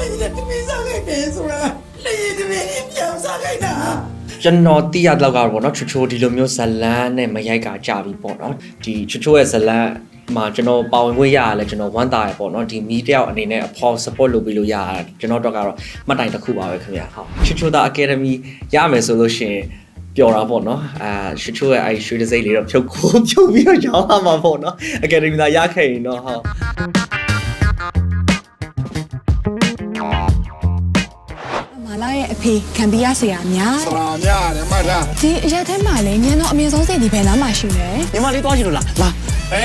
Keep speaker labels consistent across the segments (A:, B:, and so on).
A: လည်းတမီးစားခဲ့တယ်ဆိုတာလေတမီးပြောင်းစားခဲ့တာ
B: ကျွန်တော်သိရတော့ကတော့ဗောနော်ချိုဒီလိုမျိုးဇလန်းနဲ့မရိုက်ကကြပြီပေါ့နော်ဒီချိုရဲ့ဇလန်းမှာကျွန်တော်ပါဝင်ခွင့်ရရလဲကျွန်တော်ဝမ်းသာရပေါ့နော်ဒီမီတယောက်အနေနဲ့အဖေါ် support လုပ်ပေးလို့ရတာကျွန်တော်တော့ကတော့မှတ်တိုင်တစ်ခုပါပဲခင်ဗျာဟုတ်ချိုသား academy ရမယ်ဆိုလို့ရှိရင်ပျော်တာပေါ့နော်ချိုရဲ့အဲရွှေတစိမ့်လေးတော့ဖြုတ်ပြီးတော့ရောင်းရမှာပေါ့နော် academy သာရခဲ့ရင်တော့ဟုတ်
C: မာလာရဲ့အဖေခံပြီးရဆရာများ
A: ဆရာများတယ်မှတ်ထား
C: ဒီအရက်ထဲမှာလည်းညံတော့အမြင့်ဆုံးစိတ်ဒီဘယ်နားမှာရှိလဲ
B: ညီမလေးတွားချင်လို့လားလာ
C: က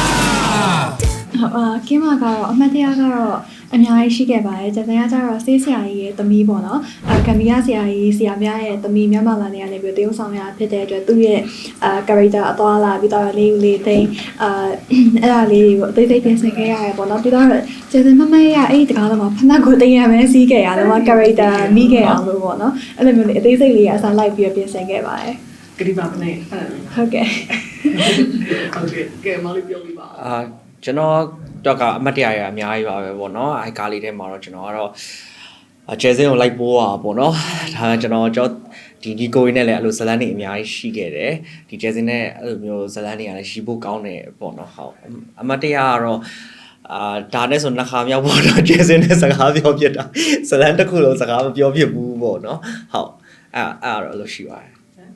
C: င်းမကတော့အမှတ်တရကတော့အများကြီးရှိခဲ့ပါတယ်ကျန်တဲ့ကကျတော့ဆေးဆရာကြီးရဲ့သမီးပေါ့နော်ကံမီယာဆရာကြီးဆရာမရဲ့သမီးမြန်မာလာနေရနေပြီးတရုတ်ဆောင်ရဖြစ်တဲ့အတွက်သူ့ရဲ့character အသွားလာပြီးတော့လေးသိန်းအဲ့ဒါလေးကိုအသေးစိတ်ပြင်ဆင်ခဲ့ရတယ်ပေါ့နော်ပြီးတော့ကျန်တဲ့မမရဲ့အဲ့ဒီတကားတော့ဖနက်ကိုတင်ရမယ်စီးခဲ့ရတယ်ပေါ့ character မိခဲ့အောင်လို့ပေါ့နော်အဲ့လိုမျိုးလေးအသေးစိတ်လေးအစားလိုက်ပြီးပြင်ဆင်ခဲ့ပါတယ်
D: ကတိပါမနဲ့
C: ဟုတ်ကဲ့
D: ကဲမလေးပြောပြပါ
B: ကျွန်တော်တော့ကအမတ်တရရအများကြီးပါပဲပေါ့နော်အဲကားလေးထဲမှာတော့ကျွန်တော်ကတော့ကျဲစင်းကိုလိုက်ပိုးတာပေါ့နော်ဒါကျွန်တော်ဒီကိုရင်းနဲ့လည်းအဲ့လိုဇလန်းတွေအများကြီးရှိခဲ့တယ်ဒီကျဲစင်းနဲ့အဲ့လိုမျိုးဇလန်းတွေကလည်းရှိဖို့ကောင်းတယ်ပေါ့နော်ဟုတ်အမတ်တရကတော့ဒါနဲ့ဆိုနှစ်ခါမြောက်ပေါ့နော်ကျဲစင်းနဲ့စကားပြောဖြစ်တာဇလန်းတစ်ခုလုံးစကားမပြောဖြစ်ဘူးပေါ့နော်ဟုတ်အဲ့တော့အဲ့လိုရှိပါတယ်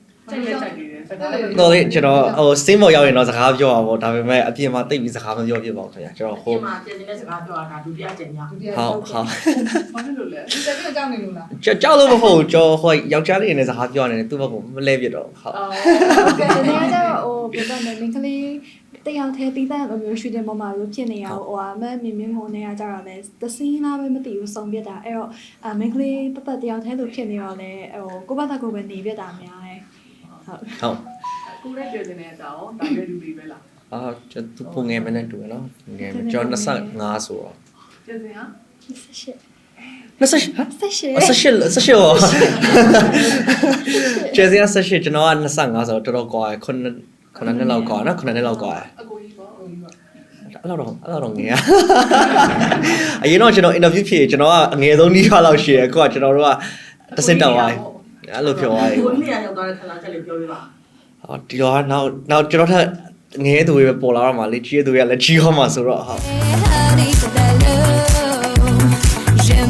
B: တော့လေကျွန်တော်ဟိုစင်းမော်ရောက်ရင်တော့စကားပြောပါပေါ့ဒါပေမဲ့အပြင်မှာတိတ်ပြီးစကားမပြောဖြစ်ပါဘူးခင်ဗျာကျွန်တော်
D: ဟိုအပြင်မှာပြင်နေတဲ့စကားပြောတာဒုတိယကြိမ်ည
B: ဟုတ်
D: ဘာလို့လဲဒီတက်ပြီးကြောက်နေလို့လား
B: ကြောက်လို့မဟုတ်ဘူးကျွန်တော်ဟိုယောက်ျားလေးနဲ့စကားပြောနေတယ်သူ့ဘက်ကမလဲပြတော့ဟုတ်
C: ဟုတ်ကဲ့ဒီနေ့ကျတော့ဟိုပြောတယ်မင်းကလေးတယောက်တည်းတီးတဲ့လိုမျိုးရှူတင်ပေါ်မှာလို့ဖြစ်နေရဟိုအမမြင်မြင်ဟိုနေရကြတော့လဲတစင်းလားပဲမသိဘူးစုံပြစ်တာအဲ့တော့မင်းကလေးတတယောက်တည်းလို့ဖြစ်နေတော့လဲဟိုကိုယ့်ဘာသာကိုယ်ပဲနေပြတာများတယ်
B: ဟုတ်
D: ကိုရဲပြည်နေတဲ့အကြောင်းဒါလည်းလူတွေပဲလား
B: ကျွန်တော်ပုံငယ်မနဲ့တူရနော်ငယ်ကျွန်တော်25ဆိုတော့
D: ပြည်စင်ဟာ
B: 28ကျဲစင်း28ကျွန်တော်က25ဆိုတော့တော်တော်ကွာ9နှစ်လောက်ကွာနော်9နှစ်လောက်ကွာ
D: အကိုကြီးပေါ့
B: အဲ့တော့ငယ်အရင်တော့ကျွန်တော် interview ဖြစ်ကျွန်တော်ကအငယ်ဆုံးနှီးထွားလောက်ရှိတယ်အခုကကျွန်တော်တို့ကတစ်စင်တောင်သွားအဲ့လိုပြောသွားတယ်
D: ကိုနှစ်ရောက်သွားတဲ့ခဏချက်လေးပြောပြပါ
B: ဒီတော့နောက်ကျွန်တော်ထက်ငယ်သူတွေပဲပေါ်လာတော့မှလေကြီးသူတွေကလည်းကြီးသွားမှဆိုတော့ဟုတ်ကျွန်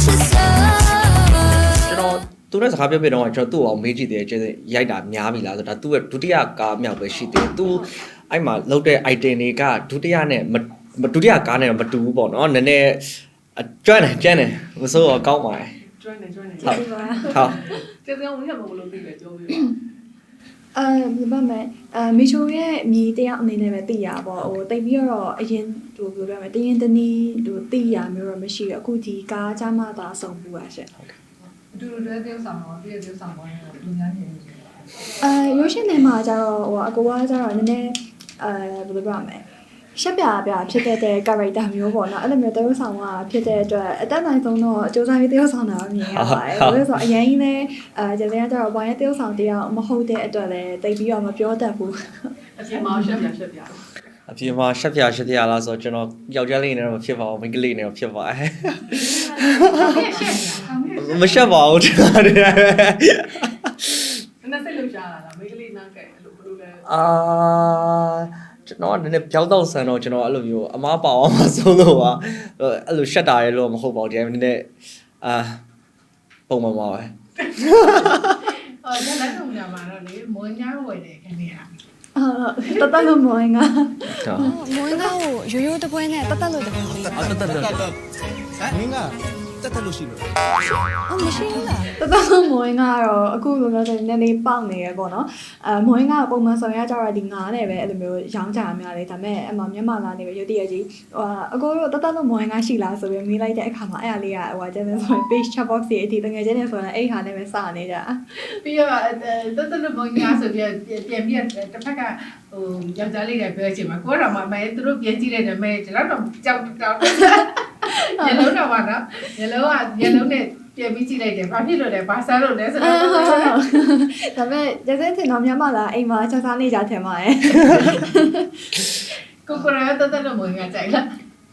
B: တော်သူနဲ့စကားပြောပြတော့ကျွန်တော်သူ့အောင်မေးကြည့်တယ်ကျဲရိုက်တာများပြီလားဆိုတော့သူ့ရဲ့ဒုတိယကားမြောက်ပဲရှိသေးတယ်သူအဲ့မှာလောက်တဲ့ item တွေကဒုတိယနဲ့ဒုတိယကားနဲ့မတူဘူးပေါ့နော်နည်းနည်းကျွမ်းတယ်မစိုးတော့ကောင်းပါတယ်
D: ကျွမ်းနေ
B: ဟုတ်
D: ကျေးဇူးပါဝင်ရမလို့သိတယ်ပြောပြပါ
C: ဘာမဲ့မီချိုရဲ့မြေတရားအနေနဲ့ပဲသိရပါဟိုတိတ်ပြီးတော့အရင်ဟိုပြောပြမယ်တရင်တနည်းဟိုသိရမျိုးတော့မရှိဘူးအခုဒီကားချမှသာစုံဘူးပါရှင့်
D: အတူတူတွဲပြောဆောင်တော့ပြည့်ပြောဆောင်သွားတယ်လူများနေတယ်
C: ရုပ်ရှင်ထဲမှာကျတော့ဟိုအကူကကျတော့နည်းနည်းဘယ်လိုပြောရမလဲရှက်ပြဖြစ်တဲ့ character မျိုးပေါ့နော်အဲ့လိုမျိုးတရုပ်ဆောင်ကဖြစ်တဲ့အတွက်အတက်နိုင်ဆုံးတော့အကျိုးစားပြီးတရုပ်ဆောင်တာမြင်ရပါတယ်ဘာလို့ဆိုတော့အရင်ကြီးလည်းကျန်တဲ့ကျတော့ဘာရဲ့တရုပ်ဆောင်တရားမဟုတ်တဲ့အတွက်လည်းတိတ်ပြီးတော့မပြောတတ်ဘူး
D: အပြင်မှာရှက်ပြ
B: အပြင်မှာရှက်ပြလားဆိုတော့ကျွန်တော်ယောက်ျားလေးနဲ့တော့ဖြစ်ပါဘူးမိန်းကလေးနဲ့တော့ဖြစ်ပါတယ်မရှက်ပါဘူး
D: ကျွန်တော်စိတ်လို့ရှားလာတာမိန်းကလေးနားကဲအဲ့လိုဘယ်လိုလဲ
B: ကျွန်တော်ကနည်းနည်းပြောင်းတော့ဆန်တော့ကျွန်တော်အဲ့လိုမျိုးအမားပါအောင်မဆုံးလို့ပါအဲ့လိုရှက်တာရဲလို့မဟုတ်ပါဘူးဒီနည်းနည်းပုံမှန်ပါပဲ
D: လက်ဆောင်ညမှာတော့လေမွန်ညာဝယ်တယ်ခင်ဗျာ
C: တတ်လို့မွန်ငါ
E: မွန်ငါကိုရိုးရိုးတပွဲနဲ့တတ်လို့တပွဲလေး
B: တတ်
A: မင်းကတက်လို့ရှိလို့
E: မရှိဘူးလား
C: တတ်မွန်ကတော့အခုလိုမျိုးနည်းနည်းပေါက်နေရပေါ့နော်မွန်ကပုံမှန်ဆောင်ရကြတော့ဒီငါနဲ့ပဲအဲ့လိုမျိုးရောင်းကြရများတယ်ဒါပေမဲ့အမမြန်မာလာနေပဲရုပ်တရက်ကြီးအကိုတို့တတ်လို့မွန်ကရှိလားဆိုပြီးမေးလိုက်တဲ့အခါမှာအဲ့အလေးကဟိုကျတဲ့ဆိုရင် page chat box တွေအထိတကယ်ချင်းနေဆိုရင်အဲ့ဟာနဲ့ပဲစနေကြ
D: ပြီးတော့တတ်လို့မွန်ကဆိုပြီးပြန်ပြီးတစ်ဖက်ကဟိုယောက်ျားလေးတွေပြောချင်မှာကိုတော့မှမဲသူတို့ပြန်ကြည့်လိုက်တယ်မဲဒီလောက်တော့ကြောက်ညလုံးတော့ပါနော်ညလုံးနဲ့ပြန်ပြီးကြည့်လိုက်တယ်ဘာဖြစ်လို့လဲဘာစားလို့လဲဆိုတော့
C: ဒါပေမဲ့ကျတဲ့ထင်တော့မြန်မာလာအိမ်မှာချက်စားနေကြထင်ပါတယ်
D: ကိုကိုရတတ်လို့မဝင်ကြိုက်လား
C: တ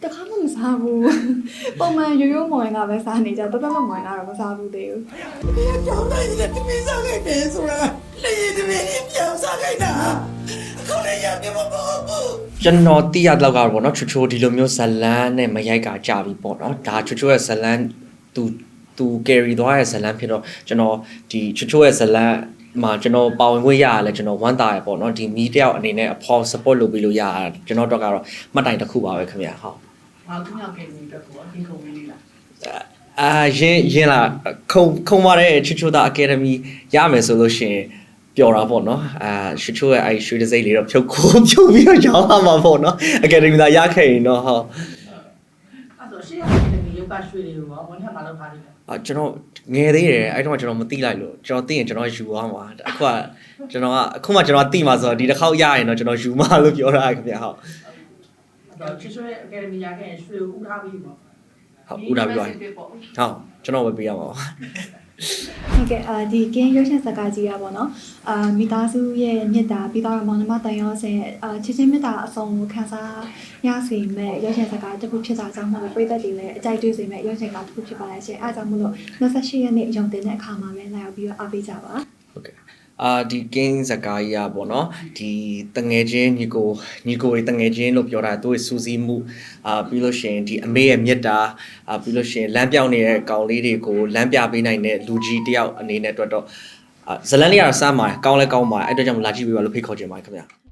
C: တခါမှမစားဘူးပုံမှန်ရိုးရိုးမော်ရင်ကပဲစားနေကြတသက်လုံးမော်ရင်ကတော့မစားဘူးသေးဘူး
A: 你要找那你的没啥给别说了，那你的没你表啥给他？可能也没我保护。
B: ကျွန်တော်သိရတော့ကတော့ဗောနော်ချိုချိုဒီလိုမျိုးဇလန်းနဲ့မရိုက်ကကြာပြီပေါ့နော်ဒါချိုချိုရဲ့ဇလန်းသူ carry သွားရဲ့ဇလန်းဖြစ်တော့ကျွန်တော်ဒီချိုချိုရဲ့ဇလန်းမှာကျွန်တော်ပါဝင်ခွင့်ရရလဲကျွန်တော်ဝမ်းသာရပေါ့နော်ဒီမီတယောက်အနေနဲ့အဖေါ် support လုပ်ပေးလို့ရတာကျွန်တော်တော့ကတော့မှတ်တိုင်တစ်ခုပါပဲခင်ဗျာဟုတ်
D: ဘာသူများကိန်းကြီးတော့ကိုအရင်ကုန်လေးလား
B: ရင်လာခုံပါတယ်ချိုချိုတာ academy ရမယ်ဆိုလို့ရှိရင်ပျော်တာပေါ့နော်ချိုချိုရဲ့ရွှေတစိမ့်လေးတော့ဖြုတ်ပြီးတော့ရောင်းရမှာပေါ့နော် academy သာရခဲ့ရင်တော့ဟုတ်
D: အဲ့တော့ရှေ့ကနေဒီယောဂရွှေတွေကိုရောဝန်ထမ်းမလုပ်ထားသေးတယ်
B: ကျွန်တော်ငယ်သေးတယ်အဲ့တော့ကျွန်တော်မသိလိုက်လို့ကျွန်တော်သိရင်ကျွန်တော်ယူသွားမှာအခုမှကျွန်တော်သိမှာဆိုတော့ဒီတစ်ခေါက်ရရင်တော့ကျွန်တော်ယူမှာလို့ပြောတာခင်ဗျာဟုတ်
D: အဲ့တော့ချွတ်ရဲ့ academy ရခဲ့ရင်ရွှေကိုဥထားပြီးပေါ့
B: ဟုတ်ဦးတာပြောရင်ဟုတ်ကျွန်တော်ပဲပေးရမှာပါ
C: ဟုတ်ကဲ့ဒီကင်းရုပ်ရှင်ဇာတ်ကားကြီးอ่ะပေါ့နော်မိသားစုရဲ့မြတ်တာပြီးတော့မောင်နှမတန်ရောစင်ချစ်ချင်းမြတ်တာအစုံကိုခန်းစားရစေမဲ့ရုပ်ရှင်ဇာတ်ကားတစ်ခုဖြစ်တာကြောင့်မို့လို့ပြည်သက်တွေလည်းအကြိုက်တွေ့စေမဲ့ရုပ်ရှင်ကားတစ်ခုဖြစ်ပါလေရှင်အဲဒါကြောင့်မို့လို့28ရက်နေ့ရုံတင်တဲ့အခါမှာပဲလာရောက်ပြီးတော့အားပေးကြပါ
B: ဟုတ်ကဲ့ဒီ game ဇာတ်ကားကြီးอ่ะပေါ့နော်ဒီတငယ်ချင်းညီကိုတွေတငယ်ချင်းလို့ပြောတာသူ့ရဲ့စူးစီးမှုပြီးလို့ရှိရင်ဒီအမေရဲ့မြတ်တာပြီးလို့ရှိရင်လမ်းပြောင်းနေတဲ့ကောင်လေးတွေကိုလမ်းပြပေးနိုင်တဲ့လူကြီးတယောက်အနေနဲ့အတွက်တော့ဇလန်လေးကတော့စမ်းပါတယ်ကောင်းလဲကောင်းပါတယ်အဲ့အတွက်ကြောင့်လာကြည့်ပေးပါလို့ဖိတ်ခေါ်ချင်ပါတယ်ခင်ဗျာ